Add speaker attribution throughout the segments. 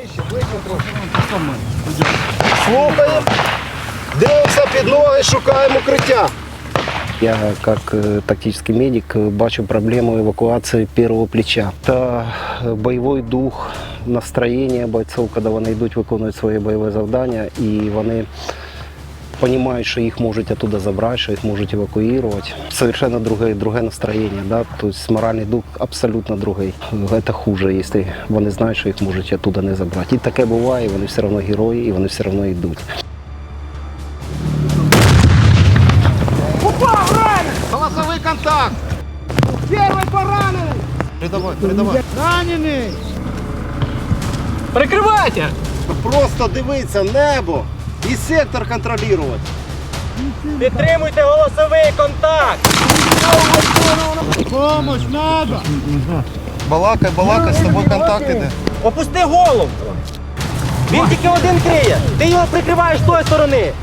Speaker 1: Слухаємо, дивимося під ноги, шукаємо укриття.
Speaker 2: Я, как тактический медик, бачу проблему эвакуации первого плеча. Это бойовий дух, настроєння бойців, коли вони йдуть виконувати свої бойові завдання, і вони розуміють, що їх можуть оттуда забрати, що їх можуть евакуювати. Совершенно друге настроєння, да? Тобто моральний дух абсолютно другий. Це хуже, якщо вони знають, що їх можуть оттуда не забрати. І таке буває, вони все одно герої, і вони все одно йдуть.
Speaker 1: Голосовий контакт. Перший поранений. Передавай.
Speaker 3: Ранений!
Speaker 4: Прикривайте!
Speaker 1: Просто дивиться небо і сектор контролювати.
Speaker 4: Підтримуйте голосовий контакт!
Speaker 3: Помощь надо!
Speaker 1: Балакай, з тобою контакт іде.
Speaker 4: Опусти голову! Він тільки один криє! Ти його прикриваєш з тої сторони!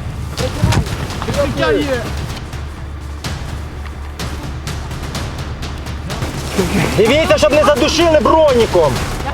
Speaker 4: Дивіться, щоб не задушили броніком!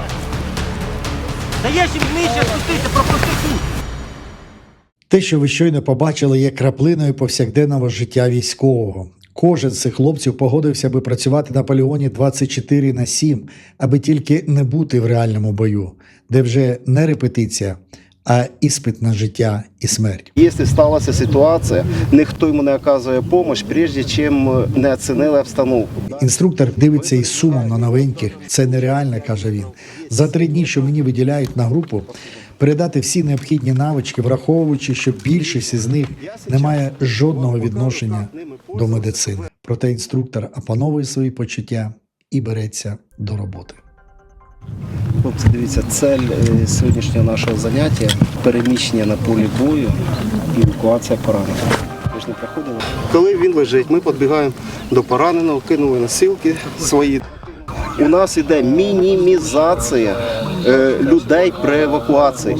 Speaker 4: Даєш їм нижче спустися, пропусти тут!
Speaker 5: Те, що ви щойно побачили, є краплиною повсякденного життя військового. Кожен з цих хлопців погодився би працювати на полігоні 24/7, аби тільки не бути в реальному бою, де вже не репетиція, а іспит на життя і смерть.
Speaker 1: Якщо сталася ситуація, ніхто йому не оказує допомогу, прежде чим не оцінили обстановку.
Speaker 5: Інструктор дивиться із сумом на новеньких. Це нереально, каже він. За 3 дні, що мені виділяють на групу, передати всі необхідні навички, враховуючи, що більшість із них не має жодного відношення до медицини. Проте інструктор опановує свої почуття і береться до роботи.
Speaker 2: Хлопці, дивіться, цель сьогоднішнього нашого заняття – переміщення на полі бою і евакуація поранених. Ви ж не проходили?
Speaker 1: Коли він лежить, ми підбігаємо до пораненого, кинули носилки свої. У нас іде мінімізація людей при евакуації.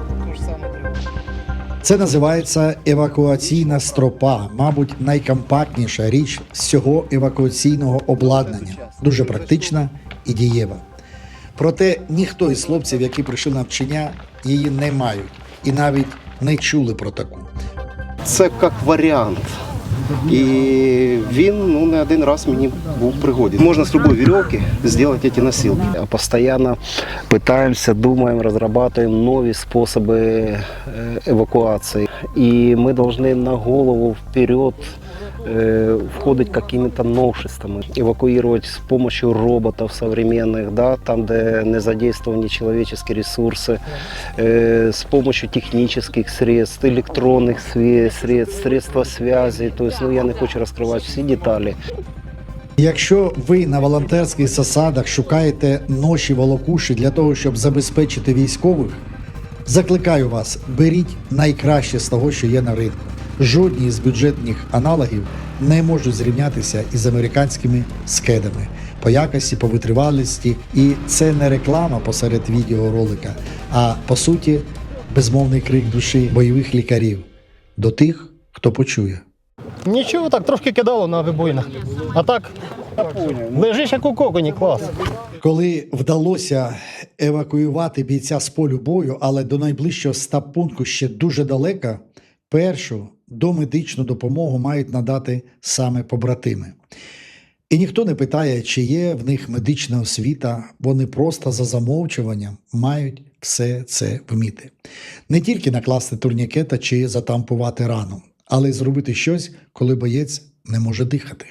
Speaker 5: Це називається евакуаційна стропа, мабуть, найкомпактніша річ з цього евакуаційного обладнання. Дуже практична і дієва. Проте ніхто із хлопців, які прийшли на навчання, її не мають і навіть не чули про таку.
Speaker 1: Це як варіант. І він не один раз мені був в пригоді. Можна з любої вірьовки зробити ці носилки.
Speaker 2: Постоянно пытаемся, думаем, разрабатываем новые способы эвакуации. И мы должны на голову вперед входить какими-то новшествами, эвакуировать с помощью роботов современных, да, там, где не задействованы человеческие ресурсы, с помощью технических средств, электронных средств, средства связи. То есть, я не хочу розкривати всі деталі.
Speaker 5: Якщо ви на волонтерських засадах шукаєте ноші волокуші для того, щоб забезпечити військових, закликаю вас, беріть найкраще з того, що є на ринку. Жодні з бюджетних аналогів не можуть зрівнятися із американськими скедами по якості, по витривалості. І це не реклама посеред відеоролика, а по суті безмовний крик душі бойових лікарів до тих, хто почує.
Speaker 4: Нічого, так трошки кидало на вибоїнах. А так, лежиш як у коконі, клас.
Speaker 5: Коли вдалося евакуювати бійця з полю бою, але до найближчого стаб-пункту ще дуже далеко, першу домедичну допомогу мають надати саме побратими. І ніхто не питає, чи є в них медична освіта, вони просто за замовчуванням мають все це вміти. Не тільки накласти турнікета чи затампувати рану, але й зробити щось, коли боєць не може дихати.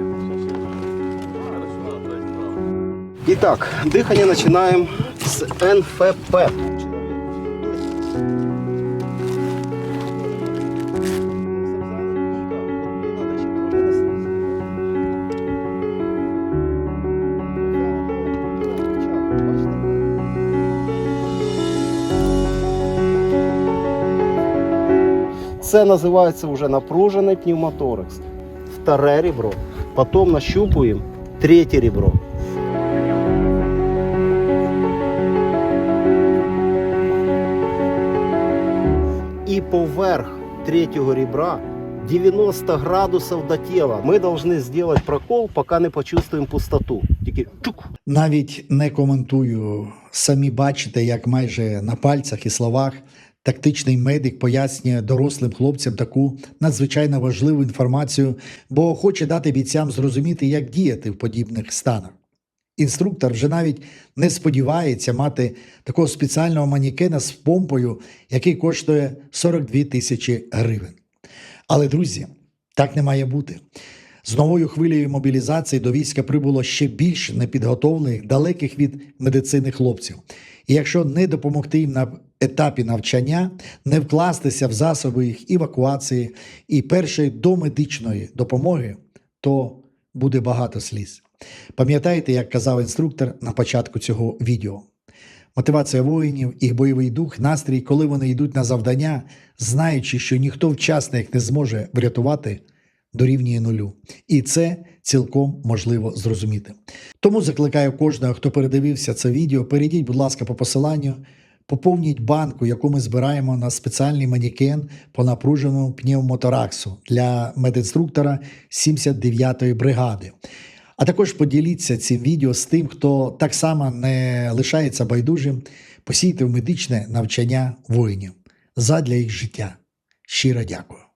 Speaker 1: І так, дихання починаємо з НФП. Це називається вже напружений пневмоторакс. Вторе ребро. Потім нащупуємо третє ребро. І поверх третього ребра 90 градусов до тела. Мы должны сделать прокол, пока не почувствуем пустоту. тільки чук.
Speaker 5: Навіть не коментую. Самі бачите, як майже на пальцях і словах тактичний медик пояснює дорослим хлопцям таку надзвичайно важливу інформацію, бо хоче дати бійцям зрозуміти, як діяти в подібних станах. Інструктор вже навіть не сподівається мати такого спеціального манікена з помпою, який коштує 42 тисячі гривень. Але, друзі, так не має бути. З новою хвилею мобілізації до війська прибуло ще більше непідготовлених, далеких від медицини хлопців. І якщо не допомогти їм на етапі навчання, не вкластися в засоби їх евакуації і першої домедичної допомоги, то буде багато сліз. Пам'ятаєте, як казав інструктор на початку цього відео? Мотивація воїнів, їх бойовий дух, настрій, коли вони йдуть на завдання, знаючи, що ніхто вчасно їх не зможе врятувати, дорівнює нулю. І це цілком можливо зрозуміти. Тому закликаю кожного, хто передивився це відео, перейдіть, будь ласка, по посиланню, поповніть банку, яку ми збираємо на спеціальний манікен по напруженому пневмотораксу для медінструктора 79-ї бригади. А також поділіться цим відео з тим, хто так само не лишається байдужим, посійте в медичне навчання воїнів задля їх життя. Щиро дякую.